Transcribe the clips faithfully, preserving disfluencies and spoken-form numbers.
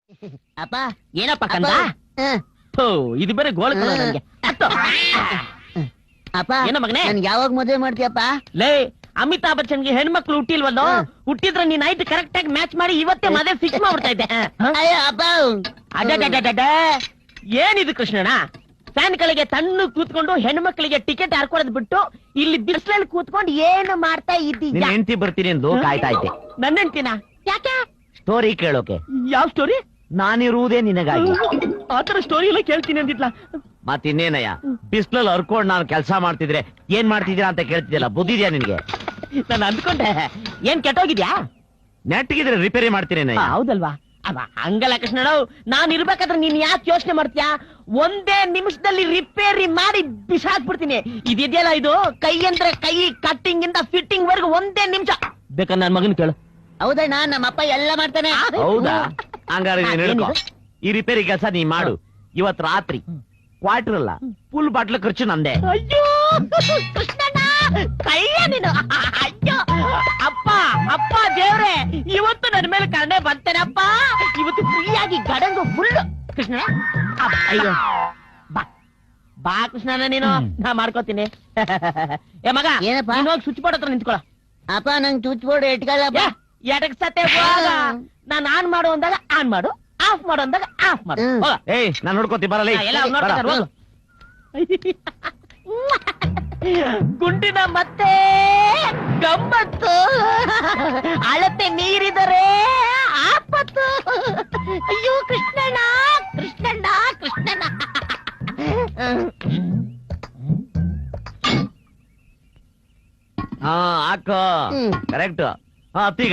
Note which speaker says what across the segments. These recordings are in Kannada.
Speaker 1: ಅಪ್ಪ
Speaker 2: ಏನಪ್ಪ ಕಂದ?
Speaker 1: ಹ್ಮ್.
Speaker 2: ಥು, ಇದು ಬೇರೆ ಗೋಳ ನನಗೆ.
Speaker 1: ಅಪ್ಪ
Speaker 2: ಏನೋ ಮಗನೇ?
Speaker 1: ನನ್ ಯಾವಾಗ ಮದುವೆ ಮಾಡ್ತೀಯಪ್ಪ?
Speaker 2: ಲೇ, ಅಮಿತಾಬ್ ಬಚ್ಚನ್ಗೆ ಹೆಣ್ಮಕ್ಳು ಹುಟ್ಟಿಲ್ವಲ್ಲೋ? ಹುಟ್ಟಿದ್ರೆ ನೀನ್ ನೈಟ್ ಕರೆಕ್ಟ್ ಆಗಿ ಮ್ಯಾಚ್ ಮಾಡಿ ಇವತ್ತೇ ಮದುವೆ ಫಿಕ್ಸ್ ಮಾಡ್ಬಿಡ್ತಾ ಇದ್ದೆ.
Speaker 1: ಅಯ್ಯೋ ಅಪ್ಪ,
Speaker 2: ಅಡ್ಡ ಏನಿದು ಕೃಷ್ಣಣ್ಣ? ಫ್ಯಾನ್ ಗಳಿಗೆ ತಣ್ಣು ಕೂತ್ಕೊಂಡು ಹೆಣ್ಮಕ್ಳಿಗೆ ಟಿಕೆಟ್ ಹಾಕೊಳದ್ ಬಿಟ್ಟು ಇಲ್ಲಿ ಬಿಸಿಲಲ್ಲಿ ಕೂತ್ಕೊಂಡು ಏನು ಮಾಡ್ತಾ ಇದ್ದೀಯ?
Speaker 3: ಹೆಂಡತಿ ಬರ್ತೀನಿ ಎಂದು ಕಾಯ್ತಾ ಇದ್ದೆ.
Speaker 2: ನನ್ನ ಹೆಂಡ್ತಿನ? ಯಾಕೆ?
Speaker 3: ಸ್ಟೋರಿ ಕೇಳೋಕೆ.
Speaker 2: ಯಾವ ಸ್ಟೋರಿ?
Speaker 3: ನಾನಿರುವುದೇ ನಿನಗಾಗಿ.
Speaker 2: ಆತರ ಸ್ಟೋರಿ ಎಲ್ಲ ಕೇಳ್ತೀನಿ ಅಂದಿದ್ಲ.
Speaker 3: ಮತ್ತಿನ್ನೇನಯ್ಯ, ಬಿಸ್ಲಲ್ಲಿ ಹರ್ಕೊಂಡ್ ನಾನು ಕೆಲಸ ಮಾಡ್ತಿದ್ರೆ ಏನ್ ಮಾಡ್ತಿದ್ದೀರಾ ಅಂತ ಕೇಳ್ತಿದ್ಯಲ್ಲ, ಬುದ್ಧಿದ್ಯಾ ನಿನ್ಗೆ?
Speaker 2: ನಾನು ಅಂದ್ಕೊಂಡೆ ಏನ್ ಕೆಟ್ಟೋಗಿದ್ಯಾ?
Speaker 3: ನೆಟ್ಗಿದ್ರೆ ರಿಪೇರಿ ಮಾಡ್ತೀರೇನಯ್ಯ.
Speaker 2: ಹೌದಲ್ವಾ? ಅವ ಹಂಗಲ್ಲ ಕೃಷ್ಣಣ್ಣ, ನಾನ್ ಇರ್ಬೇಕಾದ್ರೆ ನೀನ್ ಯಾಕೆ ಯೋಚನೆ ಮಾಡ್ತೀಯಾ? ಒಂದೇ ನಿಮಿಷದಲ್ಲಿ ರಿಪೇರಿ ಮಾಡಿ ಬಿಸಾಕ್ಬಿಡ್ತೀನಿ. ಇದೆಯಲ್ಲ ಇದು ಕೈ ಅಂದ್ರೆ ಕೈ, ಕಟ್ಟಿಂಗ್ ಇಂದ ಫಿಟ್ಟಿಂಗ್ ವರ್ಗು ಒಂದೇ ನಿಮಿಷ. ಬೇಕಾದ್ರೆ ನನ್ ಮಗನ್ ಕೇಳು.
Speaker 1: ಹೌದಣ್ಣ, ನಮ್ಮಪ್ಪ ಎಲ್ಲ ಮಾಡ್ತಾನೆ.
Speaker 3: ಹೌದಾ? ಹಂಗಾರೆ ನೀನ್
Speaker 2: ಏನಿದು?
Speaker 3: ಹಿಡ್ಕೊ. ಈ ರಿಪೇರಿ ಕೆಲಸ ನೀ ಮಾಡು. ಇವತ್ ರಾತ್ರಿ ಕ್ವಾರ್ಟರ್ ಅಲ್ಲ, ಫುಲ್ ಬಾಟ್ಲ್ ಖರ್ಚು ನಂದೆ.
Speaker 2: ಅಯ್ಯೋ ಕೃಷ್ಣಣ್ಣ, ಕೈಯ ನೀನು. ಅಯ್ಯೋ ಅಪ್ಪ, ಅಪ್ಪ ದೇವ್ರೆ, ಇವತ್ತು ನನ್ನ ಮೇಲೆ ಕರುಣೆ ಬಂತೇನಪ್ಪ. ಇವತ್ತು ಫ್ರೀಯಾಗಿ ಗಡಂಗು ಫುಲ್. ಕೃಷ್ಣ, ಅಯ್ಯೋ ಬಾ ಬಾ ಕೃಷ್ಣಣ್ಣ, ನೀನು ನಾ ಮಾಡ್ಕೋತೀನಿ. ಏ ಮಗ,
Speaker 1: ಏನಪ್ಪ?
Speaker 2: ನೀನ್ ಹೋಗಿ ಸ್ವಿಚ್ ಬೋರ್ಡ್ ಹತ್ರ ನಿಂತ್ಕೊಳ.
Speaker 1: ಅಪ್ಪ ನಂಗ್ ಚುಚ್ ಬೋರ್ಡ್ ಇಟ್ಕೊಳ್ಳಪ್ಪ.
Speaker 2: ಎಡಕ್ ಸತೆ ಹೋಗ. ನಾನ್ ಆನ್ ಮಾಡು ಅಂದಾಗ ಆನ್ ಮಾಡು, ಆಫ್ ಮಾಡು ಅಂದಾಗ ಆಫ್ ಮಾಡು.
Speaker 1: ಹ್ಮ್.
Speaker 2: ಹೋಗ.
Speaker 3: ಏಯ್, ನಾನ್ ನೋಡ್ಕೋತಿ ಬರಲ್ಲ.
Speaker 2: ಎಲ್ಲ ಅವ್ರ್ ನೋಡ್ಕೊತಾರೆ, ಹೋಗು. ಗುಂಡಿನ ಮತ್ತೆ ಗಮ್ಮತ್ತು, ಅಳತೆ ನೀರಿದರೆ ಆಪತ್ತು. ಅಯ್ಯೋ ಕೃಷ್ಣಣ್ಣ, ಕೃಷ್ಣಣ್ಣ, ಕೃಷ್ಣಣ್ಣ.
Speaker 3: ಹಾ ಹಾಕೋ.
Speaker 1: ಹ್ಮ್.
Speaker 3: ಕರೆಕ್ಟ್. ಹಾ ಅತ್ತೀಗ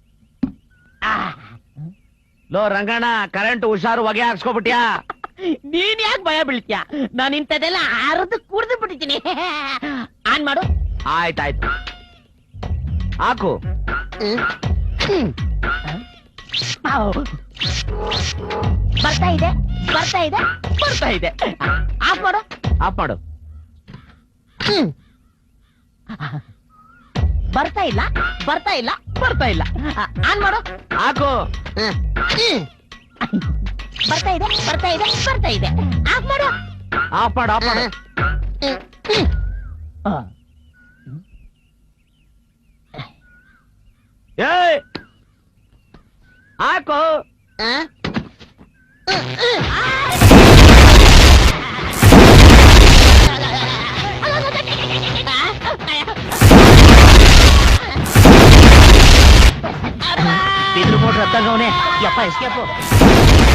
Speaker 3: ಲೋ ರಂಗಣ್ಣ, ಕರೆಂಟ್ ಹುಷಾರು, ಹೊಗೆ ಹಾಕ್ಸ್ಕೊಬಿಟ್ಯಾ?
Speaker 2: ನೀನ್ ಯಾಕೆ ಭಯ ಬೀಳ್ತೀಯ? ನಾನು ಇಂಥದೆಲ್ಲ ಅರ್ದು ಕುಡ್ದು ಬಿಟ್ಟಿದ್ದೀನಿ. ಆನ್ ಮಾಡು.
Speaker 3: ಆಯ್ತಾಯ್ತು, ಹಾಕು.
Speaker 2: ಬರ್ತಾ ಇದೆ, ಬರ್ತಾ ಇದೆ, ಬರ್ತಾ ಇದೆ. ಆಫ್ ಮಾಡು.
Speaker 3: ಆಫ್ ಮಾಡು.
Speaker 2: ಬರ್ತಾ ಇಲ್ಲ, ಬರ್ತಾ ಇಲ್ಲ, ಬರ್ತಾ ಇಲ್ಲ. ಆನ್ ಮಾಡು.
Speaker 3: ಹಾಕು.
Speaker 2: ಬರ್ತಾ ಇದೆ, ಬರ್ತಾ ಇದೆ, ಬರ್ತಾ ಇದೆ. ಆಫ್ ಮಾಡು.
Speaker 3: ಆಫ್ ಮಾಡು, ಆಫ್ ಮಾಡು. ಏಯ್, ಹಾಕು.
Speaker 2: ಇದ್ರ ಮೋಟ್ರ್ ಹತ್ತಂಗವನೆ. ಯಪ್ಪ ಎಸ್ಕೇಪು.